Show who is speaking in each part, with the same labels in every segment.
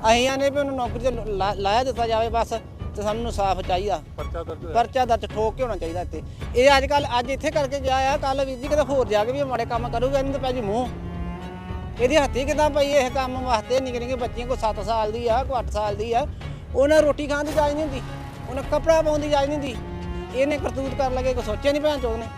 Speaker 1: ਅਸੀਂ ਆਨੇ ਵੀ ਉਹਨੂੰ ਨੌਕਰੀ ਤੇ ਲਾਇਆ ਦਿੱਤਾ ਜਾਵੇ ਬਸ, ਤੇ ਸਾਨੂੰ ਇਨਸਾਫ ਚਾਹੀਦਾ। ਪਰਚਾ ਦਰਜ ਠੋਕ ਕੇ ਹੋਣਾ ਚਾਹੀਦਾ ਇੱਥੇ। ਇਹ ਅੱਜ ਇੱਥੇ ਕਰਕੇ ਗਿਆ ਆ, ਕੱਲ ਵੀਰ ਜੀ ਕਿਤੇ ਹੋਰ ਜਾ ਕੇ ਵੀ ਮਾੜੇ ਕੰਮ ਕਰੂਗਾ, ਇਹਨੂੰ ਤਾਂ ਪੈ ਜੀ ਮੂੰਹ। ਇਹਦੀ ਹੱਥੀ ਕਿੱਦਾਂ ਪਈ ਇਹ ਕੰਮ ਵਾਸਤੇ? ਨਿੱਕੇ ਨਿੱਕੇ ਬੱਚੀਆਂ ਕੋਈ 7 ਸਾਲ ਦੀ ਆ, ਕੋਈ 8 ਸਾਲ ਦੀ ਆ, ਉਹਨਾਂ ਰੋਟੀ ਖਾਣ ਦੀ ਜਾਚ ਨਹੀਂ ਹੁੰਦੀ, ਉਹਨਾਂ ਕੱਪੜਾ ਪਾਉਣ ਦੀ ਜਾਚ ਨਹੀਂ ਹੁੰਦੀ। ਇਹਨੇ ਕਰਤੂਤ ਕਰਨ ਲੱਗੇ ਕੋਈ ਸੋਚਿਆ ਨਹੀਂ ਭੈਣ ਚੋਦ ਨੇ।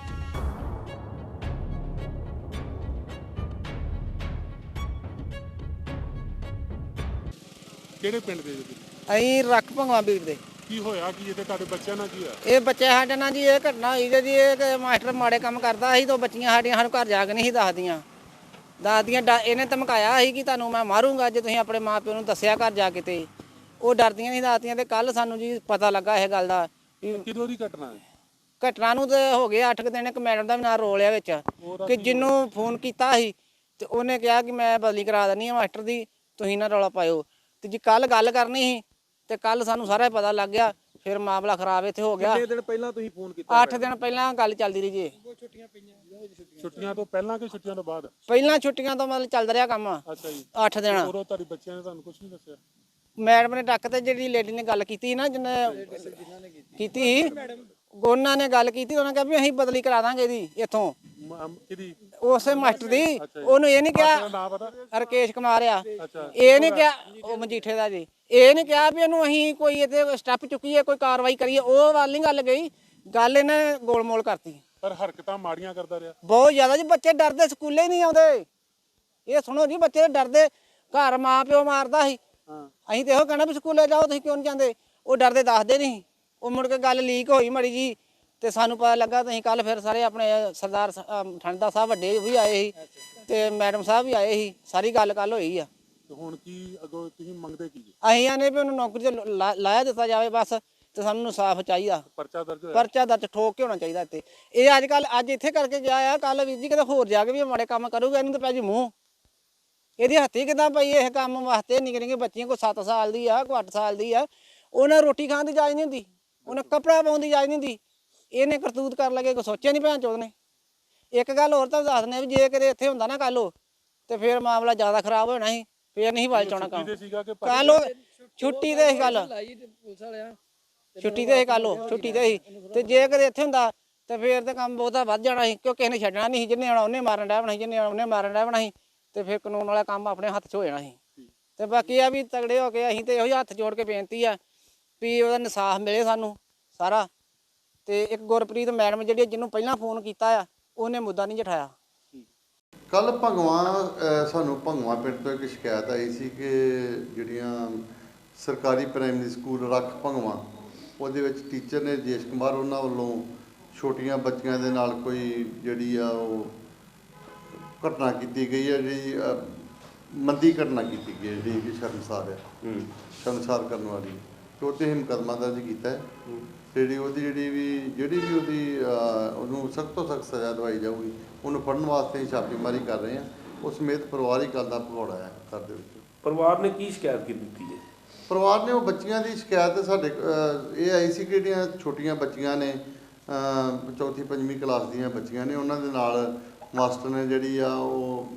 Speaker 2: ਕਿਹੜੇ ਪਿੰਡ ਦੇ ਜੀ?
Speaker 1: ਅਸੀਂ ਰੱਖ ਭੰਗਵਾ ਵੀਰ ਦੇ।
Speaker 2: ਕੀ ਹੋਇਆ ਕੀ ਇੱਥੇ ਤੁਹਾਡੇ ਬੱਚਿਆਂ ਨਾਲ? ਕੀ ਹੋਇਆ?
Speaker 1: ਇਹ ਬੱਚੇ ਸਾਡੇ ਨਾਲ ਜੀ ਇਹ ਘਟਨਾ ਹੋਈ ਜੀ, ਇਹ ਮਾਸਟਰ ਮਾੜੇ ਕੰਮ ਕਰਦਾ ਸੀ, ਤਾਂ ਬੱਚੀਆਂ ਸਾਡੀਆਂ ਸਾਨੂੰ ਘਰ ਜਾ ਕੇ ਨਹੀਂ ਸੀ ਦੱਸਦੀਆਂ। ਇਹਨੇ ਧਮਕਾਇਆ ਸੀ ਕਿ ਤੁਹਾਨੂੰ ਮੈਂ ਮਾਰੂੰਗਾ ਜੇ ਤੁਸੀਂ ਆਪਣੇ ਮਾਂ ਪਿਓ ਨੂੰ ਦੱਸਿਆ ਘਰ ਜਾ ਕੇ। ਤੇ ਉਹ ਡਰਦੀਆਂ ਨਹੀਂ ਦੱਸਦੀਆਂ। ਤੇ ਕੱਲ ਸਾਨੂੰ ਜੀ ਪਤਾ ਲੱਗਾ ਇਹ ਗੱਲ ਦਾ।
Speaker 2: ਕਿਦੋਂ ਦੀ ਘਟਨਾ ਹੈ?
Speaker 1: ਘਟਨਾ ਨੂੰ ਤੇ ਹੋ ਗਏ 8 ਦਿਨ। ਇੱਕ ਮੈਡਮ ਦਾ ਵੀ ਨਾਂ ਰੋਲ ਆ ਵਿੱਚ, ਕਿ ਜਿਹਨੂੰ ਫੋਨ ਕੀਤਾ ਸੀ ਤੇ ਉਹਨੇ ਕਿਹਾ ਕਿ ਮੈਂ ਬਦਲੀ ਕਰਾ ਦਿੰਦੀ ਹਾਂ ਮਾਸਟਰ ਦੀ, ਤੁਸੀਂ ਨਾ ਰੌਲਾ ਪਾਇਓ। ਤੇ ਜੀ ਕੱਲ ਗੱਲ ਕਰਨੀ ਸੀ ਤੇ ਕੱਲ ਸਾਨੂੰ ਸਾਰਾ ਪਤਾ ਲੱਗ ਗਿਆ। ਫਿਰ ਮਾਮਲਾ ਖਰਾਬ ਇੱਥੇ ਹੋ ਗਿਆ।
Speaker 2: ਕਿੰਨੇ ਦਿਨ ਪਹਿਲਾਂ ਤੁਸੀਂ ਫੋਨ ਕੀਤਾ?
Speaker 1: 8 ਦਿਨ ਪਹਿਲਾਂ ਗੱਲ ਚੱਲਦੀ ਰਹੀ ਜੀ।
Speaker 2: ਛੁੱਟੀਆਂ ਤੋਂ ਪਹਿਲਾਂ ਕਿ ਛੁੱਟੀਆਂ ਤੋਂ ਬਾਅਦ?
Speaker 1: ਪਹਿਲਾਂ ਛੁੱਟੀਆਂ ਤੋਂ ਮਤਲਬ ਚੱਲਦਾ ਰਿਹਾ ਕੰਮ।
Speaker 2: ਅੱਛਾ ਜੀ।
Speaker 1: 8 ਦਿਨ।
Speaker 2: ਉਦੋਂ ਤੁਹਾਡੇ ਬੱਚਿਆਂ ਨੇ ਤੁਹਾਨੂੰ ਕੁਝ ਨਹੀਂ ਦੱਸਿਆ?
Speaker 1: ਮੈਡਮ ਨੇ ਡੱਕ ਤੇ ਜਿਹੜੀ ਲੇਡੀ ਨੇ ਗੱਲ ਕੀਤੀ ਨਾ, ਜਿਹਨੇ ਕੀਤੀ ਸੀ, ਉਹਨਾਂ ਨੇ ਗੱਲ ਕੀਤੀ। ਉਹਨਾਂ ਕਿਹਾ ਵੀ ਅਸੀਂ ਬਦਲੀ ਕਰਾ ਦਾਂਗੇ ਇਹਦੀ ਇੱਥੋਂ,
Speaker 2: ਕਿਹਦੀ?
Speaker 1: ਉਸੇ ਮਾਸਟਰ ਦੀ। ਉਹਨੂੰ ਇਹ ਨਹੀਂ ਕਿਹਾ,
Speaker 2: ਨਾਮ ਪਤਾ?
Speaker 1: ਰਕੇਸ਼ ਕੁਮਾਰ ਆ। ਇਹ ਨਹੀਂ ਕਿਹਾ, ਉਹ ਮਜੀਠੇ ਦਾ ਜੀ। ਇਹ ਨਹੀਂ ਕਿਹਾ ਵੀ ਇਹਨੂੰ ਅਸੀਂ ਕੋਈ ਇੱਥੇ ਸਟੈਪ ਚੁੱਕੀਏ, ਕੋਈ ਕਾਰਵਾਈ ਕਰੀਏ। ਉਹ ਵੱਲ ਨਹੀਂ ਗੱਲ ਗਈ, ਗੱਲ ਇਹਨੇ ਗੋਲਮੋਲ ਕਰਤੀ।
Speaker 2: ਪਰ ਹਰਕਤਾਂ ਮਾੜੀਆਂ ਕਰਦਾ ਰਿਹਾ
Speaker 1: ਬਹੁਤ ਜ਼ਿਆਦਾ ਜੀ। ਬੱਚੇ ਡਰਦੇ, ਸਕੂਲੇ ਹੀ ਨਹੀਂ ਆਉਂਦੇ। ਇਹ ਸੁਣੋ ਜੀ, ਬੱਚੇ ਡਰਦੇ, ਘਰ ਮਾਂ ਪਿਓ ਮਾਰਦਾ ਸੀ। ਅਸੀਂ ਤੇ ਇਹੋ ਕਹਿਣਾ ਵੀ ਸਕੂਲੇ ਜਾਓ, ਤੁਸੀਂ ਕਿਉਂ ਨਹੀਂ ਜਾਂਦੇ? ਉਹ ਡਰਦੇ ਦੱਸਦੇ ਨਹੀਂ। ਉਹ ਮੁੜ ਕੇ ਗੱਲ ਲੀਕ ਹੋਈ ਮੜੀ ਜੀ, ਤੇ ਸਾਨੂੰ ਪਤਾ ਲੱਗਾ। ਤੁਸੀਂ ਕੱਲ ਫਿਰ ਸਾਰੇ ਆਪਣੇ ਸਰਦਾਰ ਠੰਡਾ ਸਾਹਿਬ ਵੱਡੇ ਵੀ ਆਏ ਸੀ, ਤੇ ਮੈਡਮ ਸਾਹਿਬ ਵੀ ਆਏ ਸੀ। ਸਾਰੀ ਗੱਲ ਹੋਈ ਆ।
Speaker 2: ਹੁਣ ਕੀ ਅੱਗੋਂ ਤੁਸੀਂ ਮੰਗਦੇ ਕੀ?
Speaker 1: ਅਸੀਂ ਆਨੇ ਵੀ ਉਹਨੂੰ ਨੌਕਰੀ ਤੇ ਲਾਇਆ ਦਿੱਤਾ ਜਾਵੇ ਬਸ, ਤੇ ਸਾਨੂੰ ਇਨਸਾਫ ਚਾਹੀਦਾ। ਪਰਚਾ ਦਰਜ ਠੋਕ ਕੇ ਹੋਣਾ ਚਾਹੀਦਾ ਇੱਥੇ। ਇਹ ਅੱਜ ਇੱਥੇ ਕਰਕੇ ਗਿਆ ਆ, ਕੱਲ ਵੀਰ ਜੀ ਕਿਤੇ ਹੋਰ ਜਾ ਕੇ ਵੀ ਮਾੜੇ ਕੰਮ ਕਰੂਗਾ, ਇਹਨੂੰ ਤਾਂ ਪੈ ਜੀ ਮੂੰਹ। ਇਹਦੀ ਹੱਥੀ ਕਿੱਦਾਂ ਪਈ ਇਹ ਕੰਮ ਵਾਸਤੇ? ਨਿੱਕੇ ਨਿੱਕੇ ਬੱਚੀਆਂ ਕੋਈ 7 ਸਾਲ ਦੀ ਆ, ਕੋਈ 8 ਸਾਲ ਦੀ ਆ, ਉਹਨਾਂ ਰੋਟੀ ਖਾਣ ਦੀ ਜਾਚ ਨਹੀਂ ਹੁੰਦੀ, ਉਹਨਾਂ ਕੱਪੜਾ ਪਾਉਣ ਦੀ ਜਾਚ ਨਹੀਂ ਹੁੰਦੀ। ਇਹਨੇ ਕਰਤੂਤ ਕਰਨ ਲੱਗੇ ਕੋਈ ਸੋਚਿਆ ਨਹੀਂ ਭੈਣ ਚੋਦ ਨੇ। ਇੱਕ ਗੱਲ ਹੋਰ ਤਾਂ ਦੱਸ ਦਿੰਦੇ ਵੀ ਜੇ ਕਿਤੇ ਇੱਥੇ ਹੁੰਦਾ ਨਾ ਕੱਲ, ਤੇ ਫਿਰ ਮਾਮਲਾ ਜ਼ਿਆਦਾ ਖਰਾਬ ਹੋਣਾ ਸੀ। ਫਿਰ ਨਹੀਂ ਵਾਲ ਚਾਉਣਾ ਕੰਮ। ਕੱਲ ਛੁੱਟੀ ਤੇ ਸੀ, ਕੱਲ ਛੁੱਟੀ ਤੇ ਸੀ, ਛੁੱਟੀ ਤੇ ਸੀ। ਤੇ ਜੇ ਕਦੇ ਇੱਥੇ ਹੁੰਦਾ ਤੇ ਫਿਰ ਤੇ ਕੰਮ ਬਹੁਤਾ ਵੱਧ ਜਾਣਾ ਸੀ, ਕਿਉਂਕਿ ਕਿਸੇ ਨੇ ਛੱਡਣਾ ਨਹੀਂ ਸੀ। ਜਿਹਨੇ ਆਉਣਾ ਉਹਨੇ ਮਾਰਨ ਡੈ ਬਣਾ ਸੀ, ਜਿਹਨੇ ਆਉਣਾ ਉਹਨੇ ਮਾਰਨ ਡੈ ਬਣਾ ਸੀ। ਤੇ ਫਿਰ ਕਾਨੂੰਨ ਵਾਲਾ ਕੰਮ ਆਪਣੇ ਹੱਥ 'ਚ ਹੋ ਜਾਣਾ ਸੀ। ਤੇ ਬਾਕੀ ਆ ਵੀ ਤਗੜੇ ਹੋ ਕੇ ਅਸੀਂ ਤੇ ਇਹੋ ਹੱਥ ਜੋੜ ਕੇ ਬੇਨਤੀ ਆ ਵੀ ਉਹਦਾ ਇਨਸਾਫ ਮਿਲੇ ਸਾਨੂੰ ਸਾਰਾ। ਤੇ ਇੱਕ ਗੁਰਪ੍ਰੀਤ ਮੈਡਮ ਜਿਹੜੀ, ਜਿਹਨੂੰ ਪਹਿਲਾਂ ਫੋਨ ਕੀਤਾ ਆ, ਉਹਨੇ ਮੁੱਦਾ ਨਹੀਂ ਜਠਾਇਆ।
Speaker 3: ਕੱਲ ਭੰਗਵਾ ਸਾਨੂੰ ਭੰਗਵਾ ਪਿੰਡ ਤੋਂ ਇੱਕ ਸ਼ਿਕਾਇਤ ਆਈ ਸੀ ਕਿ ਜਿਹੜੀਆਂ ਸਰਕਾਰੀ ਪ੍ਰਾਇਮਰੀ ਸਕੂਲ ਰੱਖ ਭੰਗਵਾ, ਉਹਦੇ ਵਿੱਚ ਟੀਚਰ ਨੇ ਰਜੇਸ਼ ਕੁਮਾਰ, ਉਹਨਾਂ ਵੱਲੋਂ ਛੋਟੀਆਂ ਬੱਚੀਆਂ ਦੇ ਨਾਲ ਕੋਈ ਜਿਹੜੀ ਆ ਉਹ ਘਟਨਾ ਕੀਤੀ ਗਈ ਹੈ, ਜਿਹੜੀ ਮੰਦੀ ਘਟਨਾ ਕੀਤੀ ਗਈ ਹੈ, ਜਿਹੜੀ ਕਿ ਸ਼ਰਮਸਾਰ ਆ, ਸ਼ਰਮਸਾਰ ਕਰਨ ਵਾਲੀ। ਅਤੇ ਉਹਤੇ ਅਸੀਂ ਮੁਕੱਦਮਾ ਦਰਜ ਕੀਤਾ ਹੈ। ਜਿਹੜੀ ਵੀ ਉਹਦੀ ਉਹਨੂੰ ਸਖਤ ਤੋਂ ਸਖਤ ਸਜ਼ਾ ਦਵਾਈ ਜਾਊਗੀ। ਉਹਨੂੰ ਫੜਨ ਵਾਸਤੇ ਅਸੀਂ ਛਾਪੇਮਾਰੀ ਕਰ ਰਹੇ ਹਾਂ। ਉਸ ਸਮੇਤ ਪਰਿਵਾਰਿਕ ਗੱਲ ਦਾ ਭਗੌੜਾ ਹੈ ਘਰ ਦੇ ਵਿੱਚ।
Speaker 4: ਪਰਿਵਾਰ ਨੇ ਕੀ ਸ਼ਿਕਾਇਤ ਕੀਤੀ ਹੈ?
Speaker 3: ਪਰਿਵਾਰ ਨੇ ਉਹ ਬੱਚੀਆਂ ਦੀ ਸ਼ਿਕਾਇਤ ਸਾਡੇ ਇਹ ਆਈ ਸੀ ਕਿ ਜਿਹੜੀਆਂ ਛੋਟੀਆਂ ਬੱਚੀਆਂ ਨੇ, 4ਵੀਂ 5ਵੀਂ ਕਲਾਸ ਦੀਆਂ ਬੱਚੀਆਂ ਨੇ, ਉਹਨਾਂ ਦੇ ਨਾਲ ਮਾਸਟਰ ਨੇ ਜਿਹੜੀ ਆ ਉਹ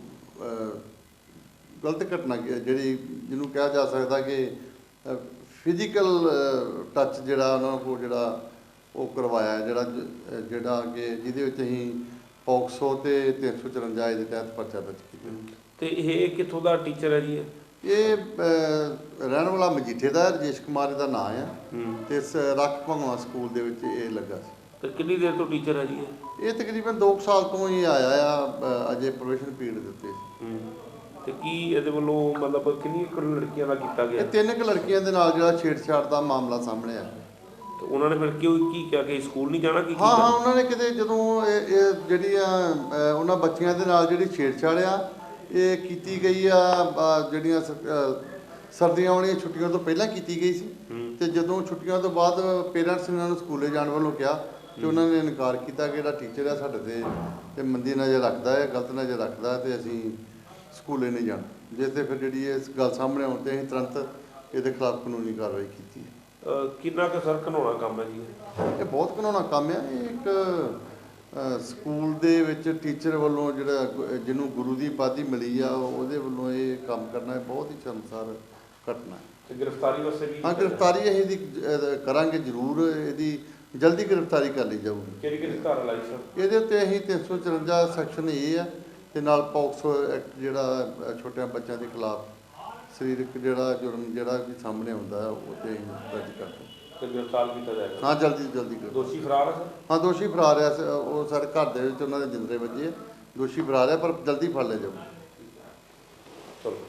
Speaker 3: ਗਲਤ ਘਟਨਾ ਜਿਹੜੀ ਜਿਹਨੂੰ ਕਿਹਾ ਜਾ ਸਕਦਾ ਕਿ ਫਿਜ਼ੀਕਲ ਟੱਚ ਜਿਹੜਾ ਉਹਨਾਂ ਕੋਲ ਜਿਹੜਾ ਉਹ ਕਰਵਾਇਆ, ਜਿਹੜਾ ਕਿ ਜਿਹਦੇ ਵਿੱਚ ਅਸੀਂ ਪੌਕਸੋ ਤੇ 354 ਦੇ ਤਹਿਤ ਪਰਚਾ ਦਰਜ ਕੀਤਾ।
Speaker 4: ਤੇ ਇਹ ਕਿੱਥੋਂ ਦਾ ਟੀਚਰ ਹੈ ਜੀ?
Speaker 3: ਇਹ ਰਹਿਣ ਵਾਲਾ ਮਜੀਠੇ ਦਾ, ਰਜੇਸ਼ ਕੁਮਾਰ ਦਾ ਨਾਂ ਆ, ਤੇ ਰੱਖ ਭੰਗਵਾ ਸਕੂਲ ਦੇ ਵਿੱਚ ਇਹ ਲੱਗਾ ਸੀ।
Speaker 4: ਤੇ ਕਿੰਨੀ ਦੇਰ ਤੋਂ ਟੀਚਰ ਹੈ ਜੀ
Speaker 3: ਇਹ? ਤਕਰੀਬਨ 2 ਸਾਲ ਤੋਂ ਹੀ ਆਇਆ ਆ, ਅਜੇ ਪ੍ਰੋਬੇਸ਼ਨ ਪੀਰੀਅਡ ਦੇ ਉੱਤੇ।
Speaker 4: ਤੇ ਕੀ ਇਹਦੇ ਵੱਲੋਂ ਮਤਲਬ ਕਿੰਨੀਆਂ ਲੜਕੀਆਂ ਦਾ ਕੀਤਾ ਗਿਆ?
Speaker 3: ਇਹ 3 ਲੜਕੀਆਂ ਦੇ ਨਾਲ ਜਿਹੜਾ ਛੇੜਛਾੜ ਦਾ ਮਾਮਲਾ ਸਾਹਮਣੇ ਆਇਆ।
Speaker 4: ਤੇ ਉਹਨਾਂ ਨੇ ਫਿਰ ਕੀ ਕਿਹਾ ਕਿ ਸਕੂਲ ਨਹੀਂ ਜਾਣਾ?
Speaker 3: ਹਾਂ, ਉਹਨਾਂ ਨੇ ਕਿਤੇ ਜਦੋਂ ਇਹ ਜਿਹੜੀਆਂ ਉਹਨਾਂ ਬੱਚੀਆਂ ਦੇ ਨਾਲ ਜਿਹੜੀ ਛੇੜਛਾੜ ਆ ਇਹ ਕੀਤੀ ਗਈ ਆ, ਜਿਹੜੀਆਂ ਸਰਦੀਆਂ ਵਾਲੀਆਂ ਛੁੱਟੀਆਂ ਤੋਂ ਪਹਿਲਾਂ ਕੀਤੀ ਗਈ ਸੀ। ਤੇ ਜਦੋਂ ਛੁੱਟੀਆਂ ਤੋਂ ਬਾਅਦ ਪੇਰੈਂਟਸ ਨੇ ਉਹਨਾਂ ਨੂੰ ਸਕੂਲੇ ਜਾਣ ਵੱਲੋਂ ਕਿਹਾ ਤੇ ਉਹਨਾਂ ਨੇ ਇਨਕਾਰ ਕੀਤਾ ਕਿ ਜਿਹੜਾ ਟੀਚਰ ਆ ਸਾਡੇ ਤੇ ਮੰਦੀ ਨਜ਼ਰ ਰੱਖਦਾ ਹੈ, ਗਲਤ ਨਜ਼ਰ ਰੱਖਦਾ, ਤੇ ਅਸੀਂ ਸਕੂਲੇ ਨਹੀਂ ਜਾਣਾ। ਜਿਸ 'ਤੇ ਫਿਰ ਜਿਹੜੀ ਇਸ ਗੱਲ ਸਾਹਮਣੇ ਆਉਣ 'ਤੇ ਅਸੀਂ ਤੁਰੰਤ ਇਹਦੇ ਖਿਲਾਫ ਕਾਨੂੰਨੀ ਕਾਰਵਾਈ ਕੀਤੀ ਹੈ।
Speaker 4: ਕਿੰਨਾ ਕੁ ਸਰ ਘਿਨਾਉਣਾ ਕੰਮ ਹੈ ਜੀ
Speaker 3: ਇਹ? ਬਹੁਤ ਘਿਨਾਉਣਾ ਕੰਮ ਆ। ਇਹ ਇੱਕ ਸਕੂਲ ਦੇ ਵਿੱਚ ਟੀਚਰ ਵੱਲੋਂ ਜਿਹਨੂੰ ਗੁਰੂ ਦੀ ਉਪਾਧੀ ਮਿਲੀ ਆ, ਉਹਦੇ ਵੱਲੋਂ ਇਹ ਕੰਮ ਕਰਨਾ ਬਹੁਤ ਹੀ ਸ਼ਰਮਸਾਰ ਘਟਨਾ ਹੈ।
Speaker 4: ਤੇ ਗ੍ਰਿਫਤਾਰੀ ਵਾਸਤੇ ਵੀ
Speaker 3: ਹਾਂ, ਗ੍ਰਿਫਤਾਰੀ ਅਸੀਂ ਇਹਦੀ ਕਰਾਂਗੇ ਜ਼ਰੂਰ, ਇਹਦੀ ਜਲਦੀ ਗ੍ਰਿਫਤਾਰੀ ਕਰ ਲਈ ਜਾਊਗੀ।
Speaker 4: ਕਿਹੜੀ ਧਾਰਾ ਲਾਈ ਸਰ?
Speaker 3: ਇਹਦੇ ਉੱਤੇ ਅਸੀਂ 354 ਸੈਕਸ਼ਨ ਇਹ ਆ ਤੇ ਨਾਲ ਪੌਕਸੋ ਐਕਟ ਜਿਹੜਾ ਛੋਟਿਆਂ ਬੱਚਿਆਂ ਦੇ ਖਿਲਾਫ ਸਰੀਰਕ ਜਿਹੜਾ ਜੁਰਮ ਜਿਹੜਾ ਵੀ ਸਾਹਮਣੇ ਆਉਂਦਾ ਹੈ ਉਹ ਤੇ ਅਸੀਂ ਦਰਜ ਕਰਦੇ
Speaker 4: ਤੇ ਗ੍ਰਿਫਤਾਰ ਕੀਤਾ ਜਾਏਗਾ?
Speaker 3: ਹਾਂ, ਜਲਦੀ ਗ੍ਰਿਫਤਾਰ।
Speaker 4: ਦੋਸ਼ੀ ਫਰਾਰ ਹੈ ਸਰ?
Speaker 3: ਹਾਂ, ਦੋਸ਼ੀ ਫਰਾਰ ਆ। ਉਹ ਸਾਡੇ ਘਰ ਦੇ ਵਿੱਚ ਉਹਨਾਂ ਦੇ ਜਿੰਦਰੇ ਵੱਜੇ ਆ। ਦੋਸ਼ੀ ਫਰਾਰ ਆ ਪਰ ਜਲਦੀ ਫੜ ਲਿਆ ਜਾਊਗਾ।
Speaker 4: ਚਲੋ।